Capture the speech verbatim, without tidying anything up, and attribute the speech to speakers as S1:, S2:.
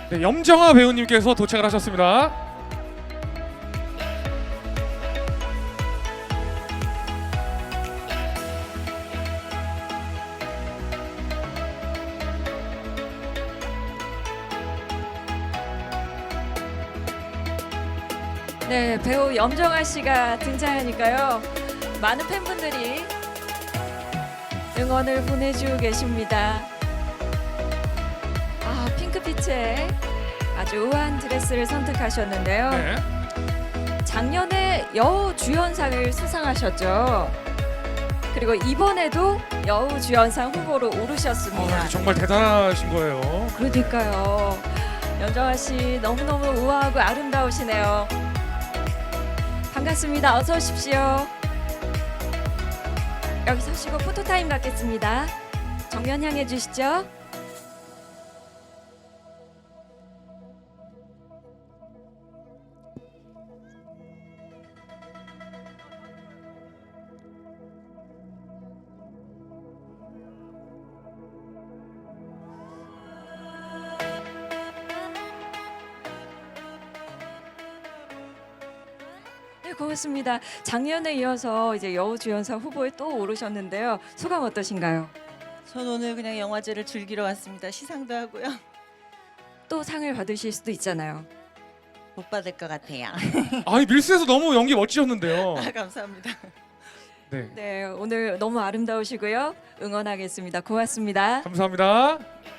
S1: 네, 염정아 배우님께서 도착을 하셨습니다.
S2: 네, 배우 염정아 씨가 등장하니까요. 많은 팬분들이 응원을 보내주고 계십니다. 아, 핑크빛의 아주 우아한 드레스를 선택하셨는데요.
S1: 네.
S2: 작년에 여우 주연상을 수상하셨죠. 그리고 이번에도 여우 주연상 후보로 오르셨습니다.
S1: 어, 정말 대단하신 거예요.
S2: 그러니까요. 염정아 씨 너무너무 우아하고 아름다우시네요. 반갑습니다. 어서 오십시오. 여기 서시고 포토타임 갖겠습니다. 정면 향해 주시죠. 네, 고맙습니다. 작년에 이어서 이제 여우주연상 후보에 또 오르셨는데요. 소감 어떠신가요?
S3: 전 오늘 그냥 영화제를 즐기러 왔습니다. 시상도 하고요.
S2: 또 상을 받으실 수도 있잖아요.
S3: 못 받을 것 같아요.
S1: 아니 밀스에서 너무 연기 멋지셨는데요.
S3: 아, 감사합니다.
S1: 네,
S2: 네, 오늘 너무 아름다우시고요. 응원하겠습니다. 고맙습니다.
S1: 감사합니다.